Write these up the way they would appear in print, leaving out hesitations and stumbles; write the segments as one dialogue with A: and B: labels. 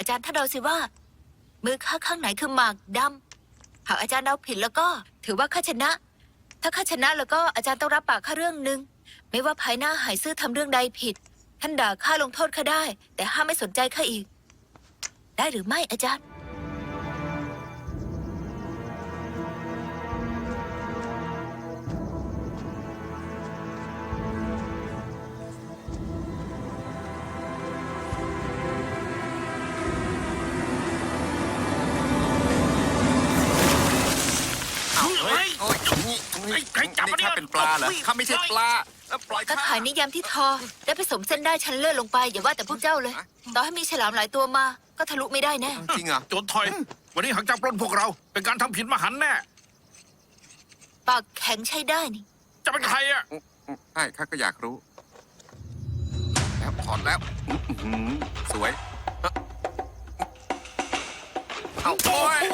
A: อาจารย์ถ้าเดาสิว่ามือข้าข้างไหนคือหมากดำหากอาจารย์เดาผิดแล้วก็ถือว่าข้าชนะ ถ้าข้าชนะแล้วก็อาจารย์ต้องรับปากข้าเรื่องหนึ่งไม่ว่าภายหน้าหายซื่อทำเรื่องใดผิด ท่านด่าข้าลงโทษข้าได้ แต่ห้ามไม่สนใจข้าอีก ได้หรือไม่อาจารย์
B: นี่ข้าเป็นปลาเหรอข้าไม่ใช่ปลาปล่อย
A: ตะ
B: ข้า
A: ข่ายนิยามที่ทอได้ผสมเส้นได้ชั้นเลือดลงไปอย่าว่าแต่พวกเจ้าเลย ต่อให้มีฉลามหลายตัวมา ก็ทะลุไม่ได้แน่
B: จริงเหรอ
C: โจรถอย วันนี้หากจับปล้นพวกเรา เป็นการทำผิดมหันต์แน่
A: ปากแข็งใช้ได้นี่
C: จะเป็นใครอ่ะ
B: ใช่ข้าก็อยากรู้ แล้วถอดแล้วสวยเอาโอ้ย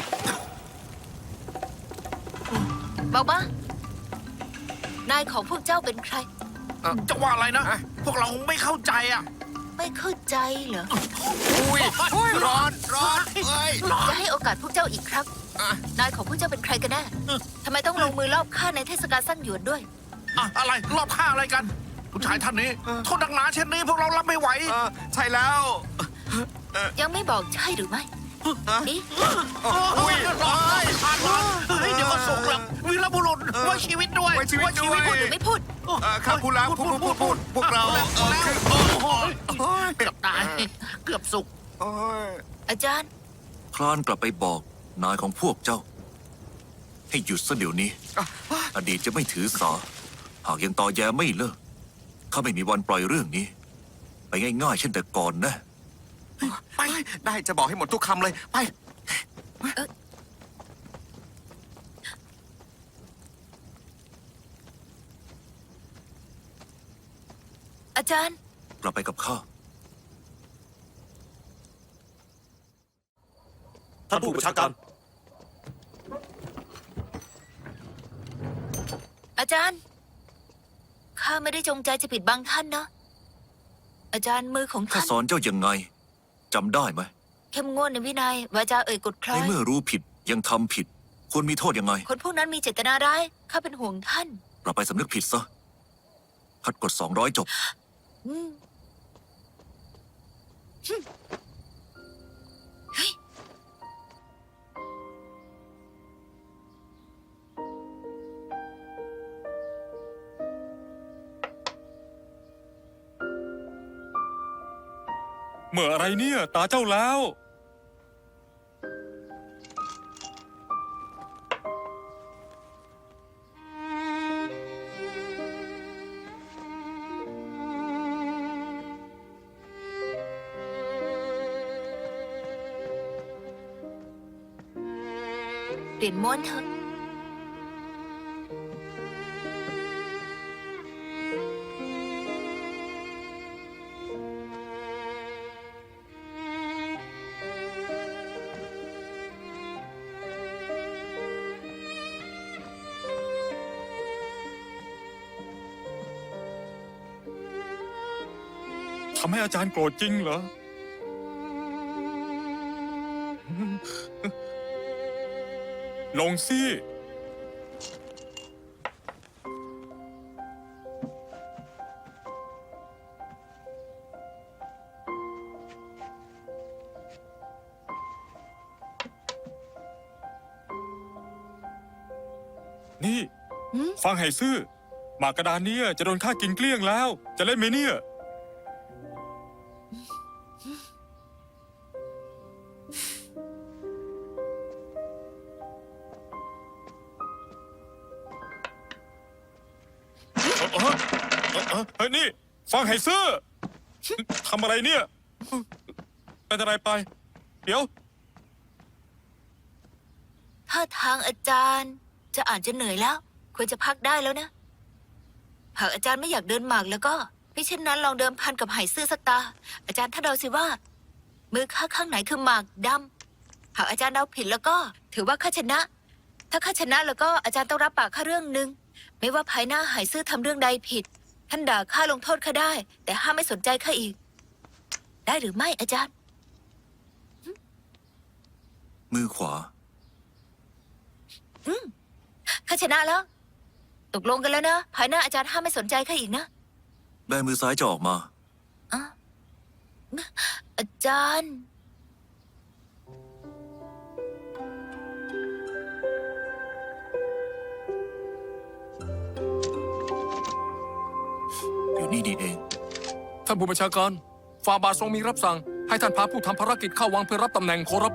A: บอกมานายของพวกเจ้าเป็นใคร
C: จะว่าอะไรนะ
B: ฮะ
C: พวกเราไม่เข้าใจอ่ะ
A: ไม่เข้าใจเหรอ
B: อุ้ยร้อนเอ้ย
A: จะให้โอกาสพวกเจ้าอีกครับ
B: อ่ะ
A: นายของพวกเจ้าเป็นใครกันแน่ทำไมต้องลงมือลอบฆ่าในเทศกาลสั้นหยวนด้วย
C: อะไรรอบข้างอะไรกัน ผู้ชายท่านนี้โทษหนักหนาเช่นนี้พวกเรารับไม่ไหว
B: ใช่แล้ว
A: ยังไม่บอกใช่หรือไม่นี่
B: อุ้ย
C: ร้อนขาดร้อนเฮ้ยเดี๋ยวก็ส่งหลังวีรบุรุษไว้ชีวิตด้วย
B: ไว้ชีวิตด้วย
A: พูดหรือไม่พูด
B: ข้าพูดแล้วพูดพวกเราคือ
C: โอ้ยเกือบตาย เกือบสุก
B: โอ้ย
A: อาจารย์
D: คลานกลับไปบอกนายของพวกเจ้า ให้หยุดซะเดี๋ยวนี้ อดีตจะไม่ถือสา หากยังตอแยไม่เลิกข้าไม่มีวันปล่อยเรื่องนี้ ไปง่ายๆเช่นแต่ก่อนนะ
B: ไปได้จะบอกให้หมดทุกคำเลยไป
A: อาจารย์
D: กลับไปกับข้า
E: ท่านผู้บัญชาการ
A: อาจารย์ ข้าไม่ได้จงใจจะปิดบังท่านนะ อาจารย์มือของ
D: ข้า
A: ท่าน
D: สอนเจ้ายังไงจำได้ไหม
A: เข้มงวดในวินัยวาจาเอ่ยกฎคล้อ
D: ใน
A: ย
D: เมื่อรู้ผิดยังทำผิด ควรมีโทษยังไง
A: คนพวกนั้นมีเจตนาร้าย ข้าเป็นห่วงท่าน
D: กลับไปสำนึกผิดซะพัดกฎ200จบ
A: อืม
E: เมื่ออะไรเนี่ย ตาเจ้าแล้ว
A: เปลี่ยนม้วนเถอะ
E: ทำให้อาจารย์โกรธจริงเหรอ ลงสิ นี่
A: หืม
E: ฟังให้ซื่อ หมากกระดานเนี้จะโดนข้ากินเกลี้ยงแล้ว จะเล่นไหมเนี่ย เฮ้ยนี่ ฟังให้ซื่อทำอะไรเนี่ยเป็นอะไรไป เดี๋ยว
A: ท่าทางอาจารย์จะอ่านจะเหนื่อยแล้ว ควรจะพักได้แล้วนะ หากอาจารย์ไม่อยากเดินหมากแล้วก็ไม่เช่นนั้นลองเดิมพันกับไหซื่อสักตา อาจารย์ถ้าเดาสิว่า มือข้าข้างไหนคือหมากดำหากอาจารย์เดาผิดแล้วก็ ถือว่าข้าชนะ ถ้าข้าชนะแล้วก็อาจารย์ต้องรับปากข้าเรื่องหนึ่งไม่ว่าภายหน้าไหซื่อทำเรื่องใดผิด ท่านด่าข้าลงโทษข้าได้ แต่ห้ามไม่สนใจข้าอีก ได้หรือไม่อาจารย์
D: มือขวา
A: ข้าชนะแล้ว ตกลงกันแล้วนะ ภายหน้าอาจารย์ห้ามไม่สนใจข้าอีกนะ
D: แบมือซ้ายจะออกมา
A: อ่ะอาจารย์
D: อยู่นี่นี่เอง
F: ท่านผู้บัญชาการฝ่าบาททรงมีรับสั่ง ให้ท่านพาผู้ทำภารกิจเข้าวังเพื่อรับตำแหน่งขอรับ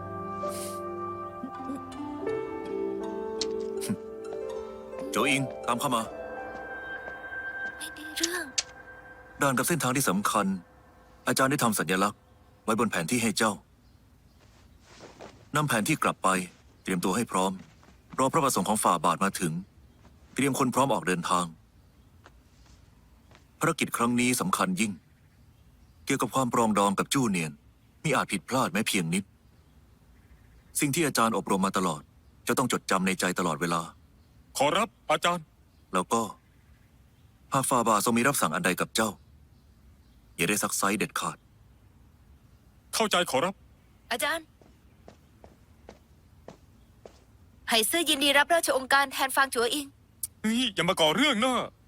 D: โจอิง ตามเข้ามา
A: ไม่ได้เรื่อง
D: ด่านกับเส้นทางที่สำคัญ อาจารย์ได้ทำสัญลักษณ์ ไว้บนแผนที่ให้เจ้านำแผนที่กลับไป เตรียมตัวให้พร้อม รอพระประสงค์ของฝ่าบาทมาถึง เตรียมคนพร้อมออกเดินทาง ภารกิจครั้งนี้สำคัญยิ่ง เกี่ยวกับความปรองดองกับจู้เนียนมิอาจผิดพลาดแม้เพียงนิด สิ่งที่อาจารย์อบรมมาตลอด จะต้องจดจำในใจตลอดเวลา
E: ขอรับอาจารย์
D: แล้วก็หากฝ่าบาททรงมีรับสั่งอันใดกับเจ้า อย่าได้ซักไซเด็ดขาด
E: เข้าใจขอรับ
A: อาจารย์ไหซื่อยินดีรับราชองค์การแทนฟางจัวอิง
E: เฮ้ยอย่ามาก่อเรื่องนะ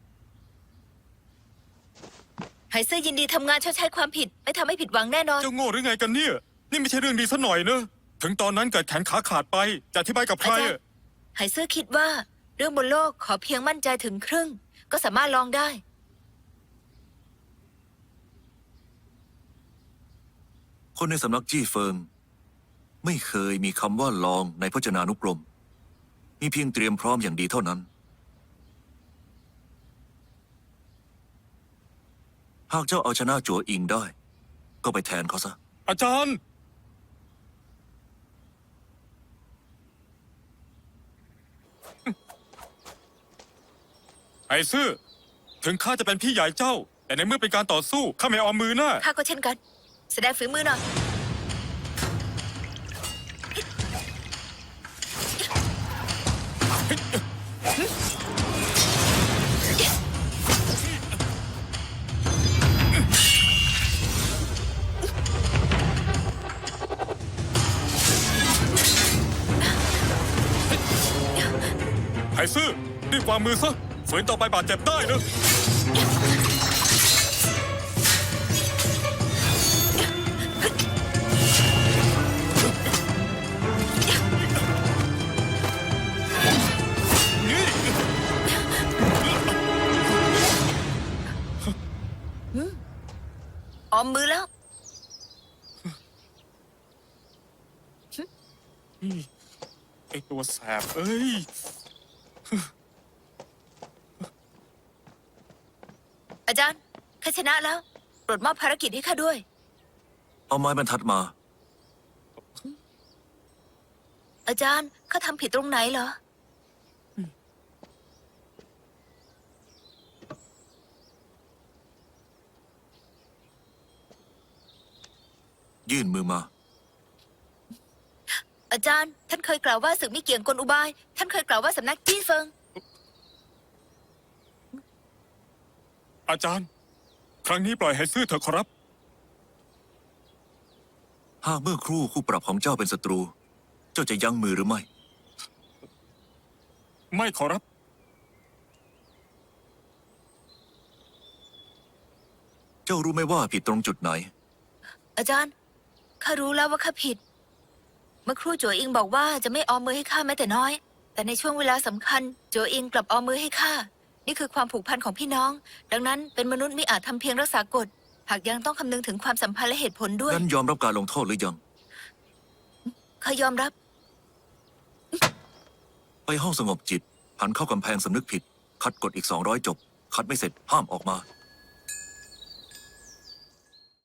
A: ไหซื่อยินดีทำงานชดใช้ความผิด ไม่ทำให้ผิดหวังแน่นอน
E: เจ้าโง่หรือไงกันเนี่ย นี่ไม่ใช่เรื่องดีซะหน่อยเนอะถึงตอนนั้นเกิดแขนขาขาดไป จะอธิบายกับใคร
A: อาจารย์
E: อะ
A: ไหซื่อคิดว่าเรื่องบนโลกขอเพียงมั่นใจถึงครึ่ง ก็สามารถลองได้
D: คนในสำนักจี้เฟิง ไม่เคยมีคำว่าลองในพจนานุกรม มีเพียงเตรียมพร้อมอย่างดีเท่านั้น หากเจ้าเอาชนะจัวอิงได้ ก็ไปแทนเขาซะ
E: อาจารย์ ไอ้ซื่อ ถึงข้าจะเป็นพี่ใหญ่เจ้า แต่ในเมื่อเป็นการต่อสู้ข้าไม่ออมมือนะ
A: ข้าก็เช่นกัน แสดงฝีมือหน่อย
E: ไอ้ซื่อรีบวางมือซะฝืนต่อไปบาดเจ็บได้นะ
A: ออมมือแล้ว
E: ไอ้ตัวแสบเอ้ย
A: อาจารย์ข้าชนะแล้วโปรดมอบภารกิจให้ข้าด้วย
D: เอาไม้บรรทัดมา
A: อาจารย์ข้าทำผิดตรงไหนเหรอ
D: ยื่นมือมา
A: อาจารย์ ท่านเคยกล่าวว่าศึกไม่เกี่ยงกลอุบาย ท่านเคยกล่าวว่าสำนักจี้เฟิง
E: อาจารย์ ครั้งนี้ปล่อยให้ซื่อเถอะขอรับ
D: หากเมื่อครู่คู่ปรับของเจ้าเป็นศัตรู เจ้าจะยั้งมือหรือไม่
E: ไม่ขอรับ
D: เจ้ารู้ไหมว่าผิดตรงจุดไหน
A: อาจารย์ข้ารู้แล้วว่าข้าผิด เมื่อครู่จัวอิงบอกว่าจะไม่ออมมือให้ข้าแม้แต่น้อย แต่ในช่วงเวลาสำคัญจัวอิงกลับออมมือให้ข้า นี่คือความผูกพันของพี่น้อง ดังนั้นเป็นมนุษย์ไม่อาจทำเพียงรักษากฎ หากยังต้องคำนึงถึงความสัมพันธ์และเหตุผลด้วย
D: งั้นยอมรับการลงโทษหรือยัง
A: ข้ายอมรับ
D: ไปห้องสงบจิต หันเข้ากำแพงสำนึกผิด คัดกฎอีก200 จบ คัดไม่เสร็จห้ามออกมา